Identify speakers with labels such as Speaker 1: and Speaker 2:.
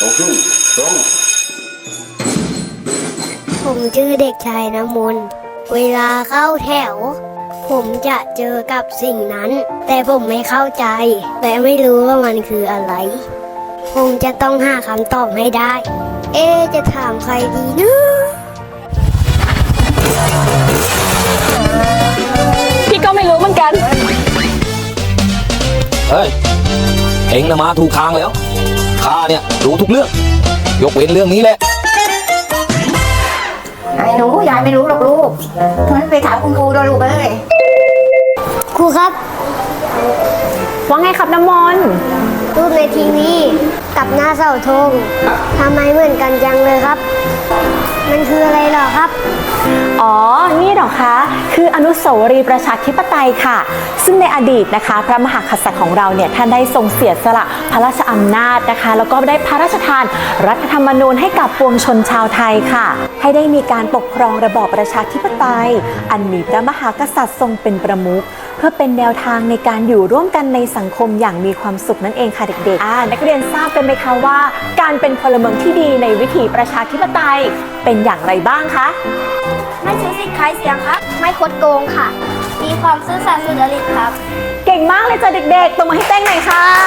Speaker 1: โตขึ้นตรง
Speaker 2: ผมชื่อเด็กชายน้ำมนต์เวลาเข้าแถว ผมจะเจอกับสิ่งนั้น แต่ผมไม่เข้าใจ และไม่รู้ว่ามันคืออะไร ผมจะต้องหาคำตอบให้ได้ จะถามใครดีนะ
Speaker 3: พี่ก็ไม่รู้เหมือนกัน
Speaker 4: เฮ้ย เอ็งนะมาถูกทางแล้ว ข้าเนี่ยรู้ทุกเรื่อง ยกเว้นเรื่องนี้แหละ
Speaker 5: ไอ้หนูยายไม่รู้หรอกลูกงั้นไปถามคุณครูด้วยลูกเอ้ย
Speaker 2: ครูครับ
Speaker 3: ว่าไงครับน้ำมนต์
Speaker 2: รูปในทีวีกับหน้าเสาธงทำไมเหมือนกันจังเลยครับ มันคืออะไรเหรอครับ
Speaker 3: อ๋อ นี่เหรอคะ คืออนุสาวรีย์ประชาธิปไตยค่ะ ซึ่งในอดีตนะคะ พระมหากษัตริย์ของเราเนี่ย ท่านได้ทรงเสียสละพระราชอำนาจนะคะ แล้วก็ได้พระราชทานรัฐธรรมนูญให้กับปวงชนชาวไทยค่ะ ให้ได้มีการปกครองระบอบประชาธิปไตย อันมีพระมหากษัตริย์ทรงเป็นประมุข เพื่อเป็นแนวทางในการอยู่ร่วมกันในสังคมอย่างมีความสุขนั่นเองค่ะเด็กๆนักเรียนทราบกันไหมคะว่า การเป็นพลเมืองที่ดีในวิถีประชาธิปไตยเป็นอย่างไรบ้างคะ
Speaker 2: ไม่ซื้อสิทธิ์ขายเสียงครับ ไม่คดโกงค่ะ มีความซื่อสัตย์สุจริตครับ
Speaker 3: เก่งมากเลยจ้ะเด็กๆตบมือให้แป้งหน่อยค่ะ